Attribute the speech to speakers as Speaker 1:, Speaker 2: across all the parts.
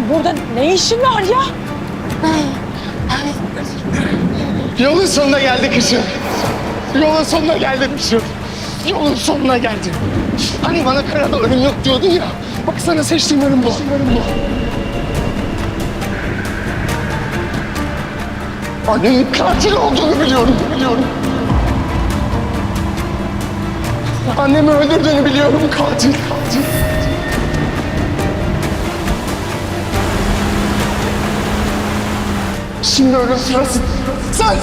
Speaker 1: burada ne işin var ya?
Speaker 2: Yolun sonuna geldik kızım. Yolun sonuna geldim kızım. Yolun sonuna geldim. Hani bana karada ölüm yok diyordun ya. Bak sana seçtiğim ölüm bu. Annenin katil olduğunu biliyorum. Annemi öldürdüğünü biliyorum. Katil. Şimdi ölüm sırası. Sende!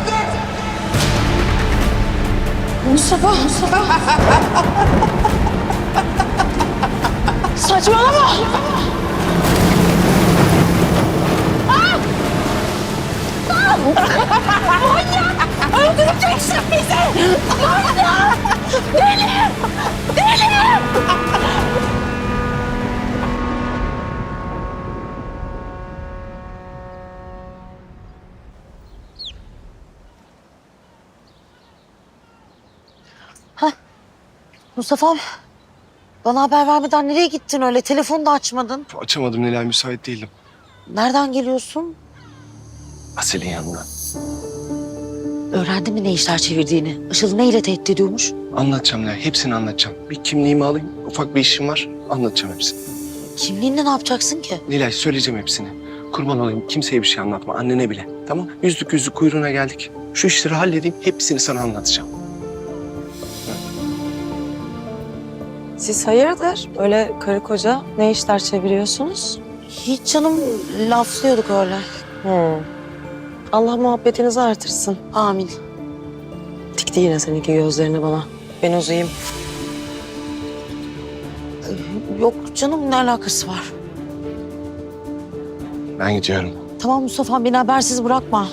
Speaker 1: Mustafa. Saçmalama. Manyak! Öldüreceksin bizi! Manyak! Deli!
Speaker 3: Mustafa'm, bana haber vermeden nereye gittin öyle? Telefonu da açmadın.
Speaker 2: Açamadım Nilay, müsait değildim.
Speaker 3: Nereden geliyorsun?
Speaker 2: Asel'in yanından.
Speaker 3: Öğrendin mi ne işler çevirdiğini? Işıl neyle tehdit ediyormuş?
Speaker 2: Anlatacağım Nilay, hepsini anlatacağım. Bir kimliğimi alayım, ufak bir işim var. Anlatacağım hepsini.
Speaker 3: Kimliğinle ne yapacaksın ki?
Speaker 2: Nilay, söyleyeceğim hepsini. Kurban olayım, kimseye bir şey anlatma, annene bile. Tamam? Yüzlük kuyruğuna geldik. Şu işleri halledeyim, hepsini sana anlatacağım.
Speaker 1: Siz hayırdır? Öyle karı koca ne işler çeviriyorsunuz?
Speaker 3: Hiç canım, laflıyorduk öyle.
Speaker 1: Allah muhabbetinizi artırsın.
Speaker 3: Amin.
Speaker 1: Dikti yine seninki gözlerini bana. Ben uzayayım.
Speaker 3: Yok canım, ne alakası var?
Speaker 2: Ben gidiyorum.
Speaker 3: Tamam Mustafa'm, beni habersiz bırakma.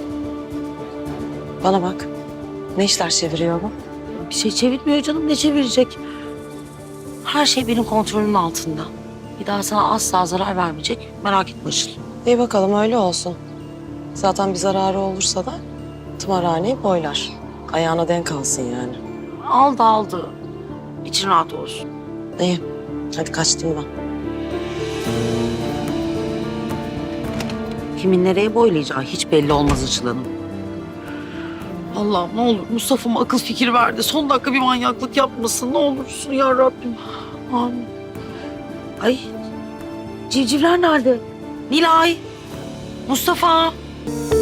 Speaker 1: Bana bak. Ne işler çeviriyor bu?
Speaker 3: Bir şey çevirmiyor canım, ne çevirecek? Her şey benim kontrolümün altında. Bir daha sana asla zarar vermeyecek. Merak etme Işıl.
Speaker 1: İyi bakalım öyle olsun. Zaten bir zararı olursa da tımarhaneyi boylar. Ayağına denk alsın yani.
Speaker 3: Aldı. İçin rahat olsun.
Speaker 1: İyi. Hadi kaçtım ben.
Speaker 3: Kimin nereye boylayacağı hiç belli olmaz Işıl Hanım. Allah'ım ne olur Mustafa'ma akıl fikir verdi. Son dakika bir manyaklık yapmasın. Ne olursun ya Rabbim. Amin. Ay, civcivler nerede? Nilay, Mustafa.